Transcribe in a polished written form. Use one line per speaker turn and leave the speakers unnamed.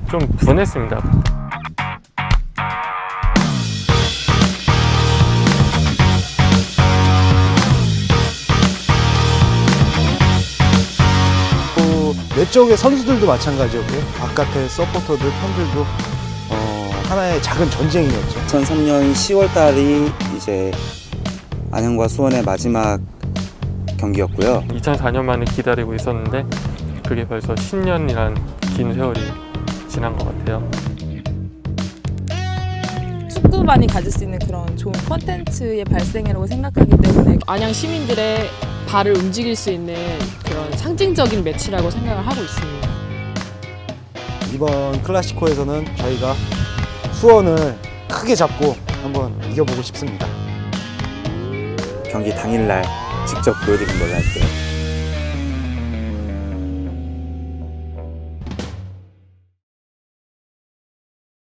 좀 분했습니다.
내 쪽의 선수들도 마찬가지였고요. 바깥의 서포터들, 팬들도 하나의 작은 전쟁이었죠.
2003년 10월 달이 이제 안양과 수원의 마지막 경기였고요.
2004년 만에 기다리고 있었는데 그게 벌써 10년이란 긴 세월이 지난 것 같아요.
축구만이 가질 수 있는 그런 좋은 콘텐츠의 발생이라고 생각하기 때문에
안양 시민들의 발을 움직일 수 있는 그런 상징적인 매치라고 생각을 하고 있습니다.
이번 클라시코에서는 저희가 수원을 크게 잡고 한번 이겨보고 싶습니다.
경기 당일날 직접 보여드린 걸로 할게요.